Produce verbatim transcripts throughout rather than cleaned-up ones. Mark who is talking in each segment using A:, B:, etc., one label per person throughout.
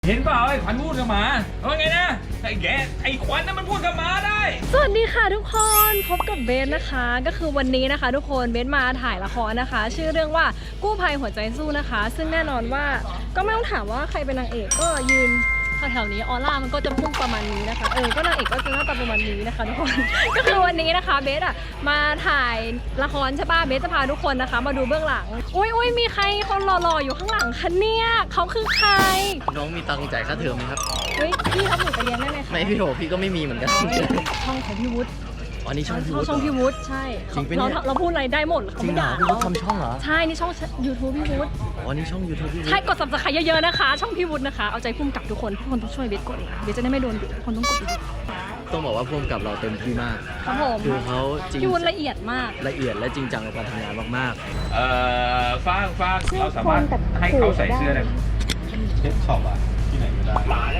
A: เห็นเปล่าไอ้ขวัญพูดกับหมาว่าไงนะไอ้แกไอ้ขวัญนั่นมันพูดกับหมาได้
B: สวัสดีค่ะทุกคนพบกับเบสนะคะก็คือวันนี้นะคะทุกคนเบสมาถ่ายละครนะคะ ชื่อเรื่องว่ากู้ภัยหัวใจสู้นะคะ ซึ่งแน่นอนว่าก็ไม่ต้องถามว่าใครเป็นนางเอกก็ยืนแถวๆนี้ออร่ามันก็จะพุ่งประมาณนี้นะคะเออก็นางเอกก็จะหน้าตาประมาณนี้นะคะทุกคน ก็คือวันนี้นะคะเบสอะมาถ่ายละครใช่ป่ะเบสจะพาทุกคนนะคะมาดูเบื้องหลังอุ้ยอุ้ยมีใครคนหล่อๆอยู่ข้างหลังคะเนี่ยเขาคือใคร
C: น้องมีตังค์จ่ายค่าเทอมไหมครับ
B: เฮ้ยพี่รับหนูไปเรียนได้ไหมคะ
C: ไม่พี่โถพี่ก็ไม่มีเหมือนกัน
B: ช่องของพี่วุฒิ
C: อ๋อนี่ช่องพี่วุฒิ
B: ช่องพี่วุฒิใช่เราเราพูดอะไรได้หมด
C: จริงเหรอพี่วุฒิทำช่องเหรอ
B: ใช่นี่ช่อง ยูทูบ พี่วุฒิ
C: อ๋อนี่ช่อง ยูทูบ พี่วุฒิ
B: ใช่กด ซับสไครบ์ เยอะๆนะคะช่องพี่วุฒินะคะเอาใจพุ่มกับทุกคนทุกคนต้องช่วยเบสกดเบสจะได้ไม่โดนทุกคนต้องกดอีก
C: ต้องบอกว่าพุ่มกับเราเต็มที่มาก
B: ครับผม
C: คือเขาจริง
B: พี่วุฒิละเอียดมาก
C: ละเอียดและจริงจังกับการทำงานมาก
A: เอ่อฟางฟางเราสามารถให้เขาใส่เสื้อได้เช็ดช็อปอะที่ไหนก็ได้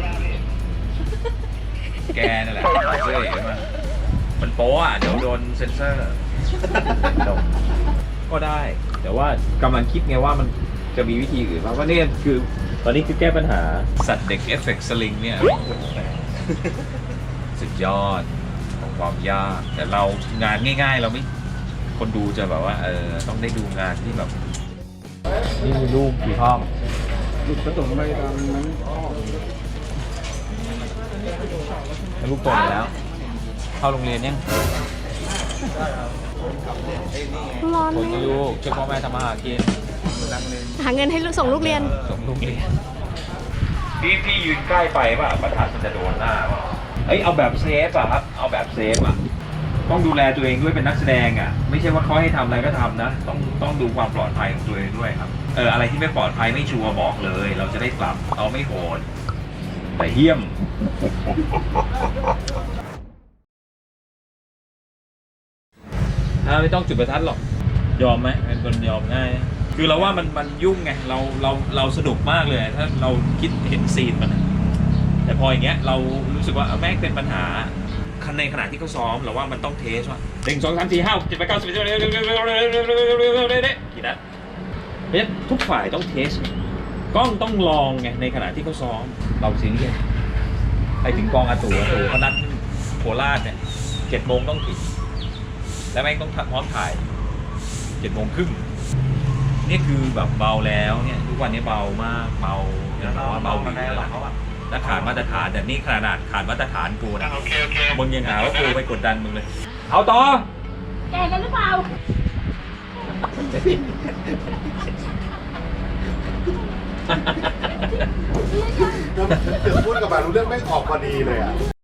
A: แกนั่นแหละเสื้อเห็นไหมมันโป๊ะอ่ะเดี๋ยวโดนเซ็นเซอร์ก็ได้แต่ว่ากำลังคิดไงว่ามันจะมีวิธีอื่นบ้างว่านี่คือตอนนี้คือแก้ปัญหาสัตว์เด็กเอฟเฟกต์สลิงเนี่ยสุดยอดของความยากแต่เรางานง่ายๆเราไม่คนดูจะแบบว่าเออต้องได้ดูงานที่แบบนี่มีลูกกี่ห้องลูกผสมไปตามนั้นลูกโตแล้วเข้าโรงเรียนยัง
B: ร้อน
A: คนลูกช่วยพ่อแม่ทำมาหากิน
B: หาเงินให้ส่งลูกเรียน
A: ส่งลูกเรียนพี่พี่ยืนใกล้ไปป่ะประทัดมันจะโดนหน้าป่ะเอ้ยเอาแบบเซฟอ่ะครับเอาแบบเซฟอ่ะต้องดูแลตัวเองด้วยเป็นนักแสดงอ่ะไม่ใช่ว่าเขาให้ทำอะไรก็ทำนะต้องต้องดูความปลอดภัยของตัวเองด้วยครับเอออะไรที่ไม่ปลอดภัยไม่ชัวร์บอกเลยเราจะได้ปรับเอาไม่โหดแต่เหี้ยมไม่ต้องจุดประทัดหรอกยอมไหมเป็นคนยอมง่ายคือเราว่ามันมันยุ่งไงเราเราเราสนุกมากเลยถ้าเราคิดเห็นซีนมันแต่พออย่างเงี้ยเรารู้สึกว่าแม่งเป็นปัญหาในขณะที่เขาซ้อมเราว่ามันต้องเทสว่าหนึ่งสองสามสี่ห้าเจ็ดแปดเก้าสิบกี่นัดเพราะฉะนั้นทุกฝ่ายต้องเทสกล้องต้องลองไงในขณะที่เขาซ้อมเราซีเรียสไปถึงกองอาตู่อาตู่เขานัดโคราชเนี่ยเจ็ดโมงต้องถึงแล้วแม่งต้องพร้อมถ่ายเจ็ดโมงครึ่งนี่คือแบบเบาแล้วเนี่ยทุกวันนี้เบามากเบาเนี่ยเราว่าเบาดีแล้วและขาดมาตรฐานแต่นี่ขนาดขาดมาตรฐานกูนะมึงยังหาว่ากูไปกดดันมึงเลยเอาต่อ
B: แกกันหรือเปล่า
D: เดี๋ยวพูดกับมารู้เรื่องไม่ออกพอดีเลยอ่ะ